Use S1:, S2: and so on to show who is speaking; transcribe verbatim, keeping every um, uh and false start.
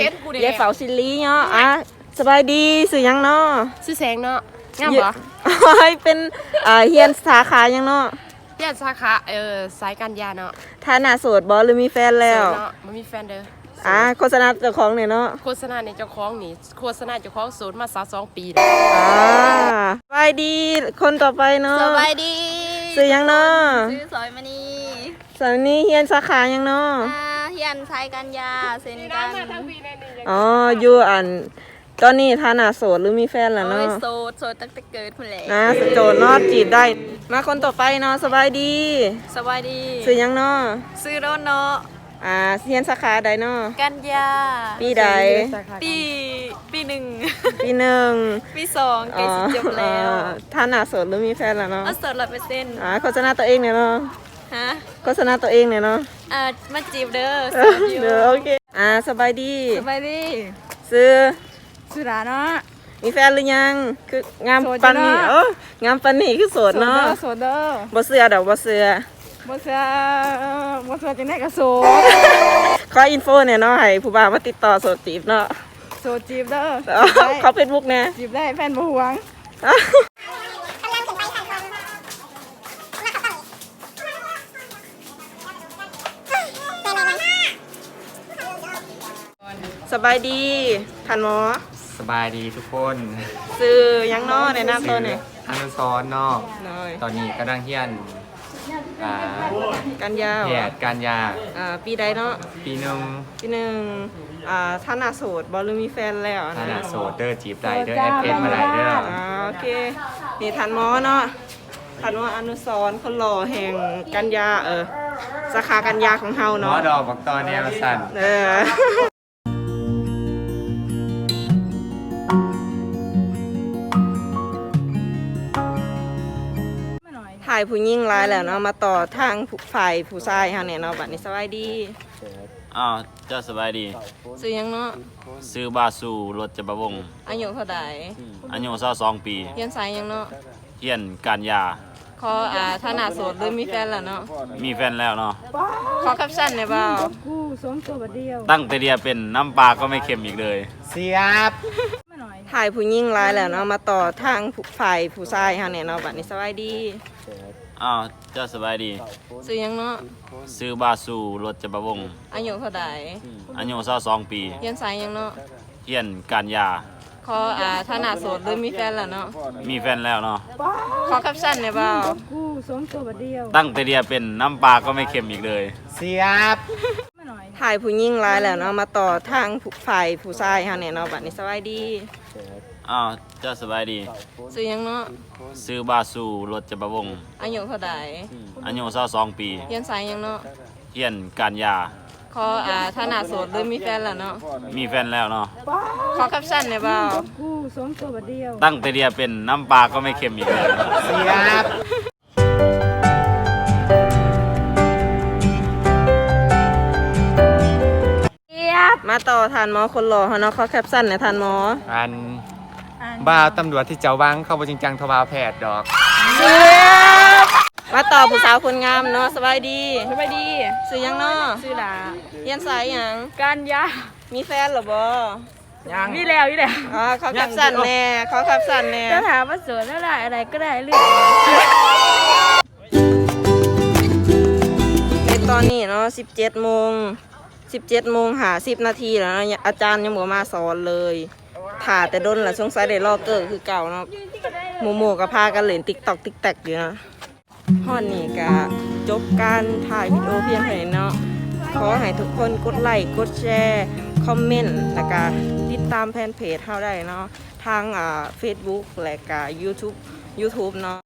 S1: ยายเฝ้าซิลีเนาะอ่ะสบายดีสื่อยังเนาะ
S2: ชื่อแสงเนาะงามบ่
S1: เป็นอ่าเฮียนสาขายังเนาะ
S2: เฮียนสาขาเออสายการยาเนาะ
S1: ท่าน่าโสดบ่หรือมีแฟนแล้ว
S2: เนาะมันมีแฟนเด้อ
S1: อ่าโฆษณาเจ้าของเนี่ยเนาะ
S2: โฆษณาในเจ้าของนี่โฆษณาเจ้าของโสดมาสามสองปีแล้ว
S1: อ่าสบายดีคนต่อไปเนาะ
S3: สบายดี
S1: สื่อยังเนาะ
S3: ชื่อสอยมณี
S1: สอยมณีเฮียนสาขายังเนาะ
S3: อ่าเฮียนสายการยาเซ็นกัน
S1: อ๋ออยู่อันตอนนี้ท่าน่าโสดหรือมีแฟนแล้วเนาะ
S3: โสดโสดตั้งแต่เกิดพุ่นแหละ
S1: นะโสดเนาะจีบได้มาคนต่อไปเนาะสบายดี
S3: สบายดี
S1: สื่อยังเนาะ
S3: ซื้อโดนเนาะ
S1: อ่าเฮียนสาขาใดเนาะ
S3: กันยา
S1: ปีใด
S3: ปีปีหนึ่ง
S1: ปีหนึ่ง
S3: ปีสองใกล้สิจบแล้ว
S1: ท่าน่าโสดหรือมีแฟนแล้วเนาะ
S3: โสดร้อยเปอร์เซ็นต์
S1: อ่าโฆษณาตัวเองเนี่ยเนาะ
S3: ฮะ
S1: โฆษณาตัวเองเนี่ยเนาะ
S3: อ่ามาจีบเด้อ
S1: เด้อโอเคอ่าสบายดี
S3: สบายดี
S1: ซื้อ
S3: สุดาเนาะ
S1: มีแฟนหรือยังคืองามปันนี่เอองามปันนี่คือโสดเนาะ
S3: โสดเด้อ
S1: บ่เสือดอกบ่เสือ
S3: บ่เสือบ่เสือจังได๋ก็โสด
S1: ขออินโฟเนี่ยเนาะให้ผู้บ่าวมาติดต่อโสดจีบเนาะ
S3: โสดจีบเด้อ
S1: เขาเฟซบุ๊กแน่
S3: จีบได้แฟนบ่หวง
S1: สบายดีท่านหมอ
S4: สบายดีทุกคน
S1: ซื้อยังเนาะในหน้าตัวเนี่ย
S4: อนุสรณ์เนาะตอนนี้กำลังเฮียน
S1: การยา
S4: แพทย์การยา
S1: ปีใดเนาะ
S4: ปีหนึ่ง
S1: ปีหนึ่งท่าน่าโสดบอลหรือมีแฟนแล้ว
S4: ท่าน่าโสดเด้อจีบได้เด้อแอปเอ็นมาได้เด้อ
S1: โอเคนี่ท่านหมอเนาะท่านหมออนุสรณ์คนหล่อแห่งการยาเออสาขาการยาของเฮาเนาะ
S4: หมอดอกบักตอนแนวสั่น
S1: เออถ่ายผู้ยิ่งร้ายแล้วเนาะมาต่อทางฝ่ายผู้ชายเฮาเนี่ยเนาะบัดนี้สบายดี
S5: อ้าวเจ้าสบายดี
S1: ซื้อยังเนาะ
S5: ซื้อบาสูรถจะประวง
S1: อายุเท่าใด
S5: อายุเศร้าสองปี
S1: เฮียนสายยังเนาะ
S5: เฮียนการยา
S1: ขออ่าท่าน่าโสดหรือมีแฟนแล้วเนาะ
S5: มีแฟนแล้วเนาะ
S1: ขอแคปชั่นได้บ่าว
S5: ตั้งแต่เดียเป็นน้ำปลาก็ไม่เค็มอีกเลย
S4: เสียบ
S1: ถ่ายผู้ยิ่งร้ายแล้วเนาะมาต่อทางฝ่ายผู้ชายเฮาเนี่ยเนาะบัดนี้สบายดี
S5: อ้าวเจ้าสบายดี
S1: ซื้อยังเนาะ
S5: ซื้อบาสูรถจะประวง
S1: อายุเท่าใด
S5: อายุเศร้าสองปี
S1: เฮียนสายยังเนาะ
S5: เฮียนการยา
S1: ขออ่าท่าน่าโสดหรือมีแฟนแล้วเนาะ
S5: มีแฟนแล้วเนาะ
S1: ขอแคปชั่นได้บ่าว
S5: ตั้งแต่เดียเป็นน้ำปลาก็ไม่เค็มอีกเลย
S4: เสียบ
S1: ถ่ายผู้ยิ่งร้ายแล้วเนาะมาต่อทางฝ่ายผู้ชายเฮาเนี่ยเนาะบัดนี้สบายดี
S5: อ้าวเจ้าสบายดี
S1: ซื้อยังเนาะ
S5: ซื้อบาสูรถจะประวง
S1: อายุเท่าใด
S5: อายุเศร้าสองปี
S1: เฮียนสายยังเนาะ
S5: เฮียนการยา
S1: ขออ่าท่าน่าโสดหรือมีแฟนแล้วเนาะ
S5: มีแฟนแล้วเนาะ
S1: ขอแคปชั่นได้บ่าว
S5: ตั้งแต่เดียเป็นน้ำปลาก็ไม่เค็มอีกเลย
S4: เสียบ
S1: มาต่อทานหมอคนหล่อเฮาเนาะขอแคปชั่นหน่อยทานหมอ
S4: อันบ้าตำรวจที่เจ้าวังเข้าบ่จริงจังทว่าแพทย์ดอก
S1: มาต่อผู้สาวคนงามเนาะสบายดี
S3: สบายดี
S1: ซื้อยังเนาะ
S3: ซื้อหลา
S1: เฮียนสายหยัง
S3: การยา
S1: มีแฟนหรอบ่
S3: ยังมีแล้วอยู่แล้ว
S1: อ๋อขอแคปชั่นแน่ขอแคปชั่นแน่
S3: จะถามว่าสวยอะไรอะไรก็ได้เรื่อง
S1: ในตอนนี้เนาะสิบเจ็ดโมงสิบเจ็ดโมงหาสิบนาทีแล้วนะอาจารย์ยังบ่มาสอนเลยถ่าแต่ดนแหละสงสัยได้รอเกิดคือเก่าเนาะโมโมกับพากันเล่นติ๊กต็อกติ๊กแท็กอยู่นะฮอดนี่ก็จบการถ่ายวิดีโอเพียงเท่านี้เนาะขอให้ทุกคนกดไลค์กดแชร์คอมเมนต์แล้วก็ติดตามแฟนเพจเฮาได้เนาะทางอ่า Facebook และก็ YouTube YouTube เนาะ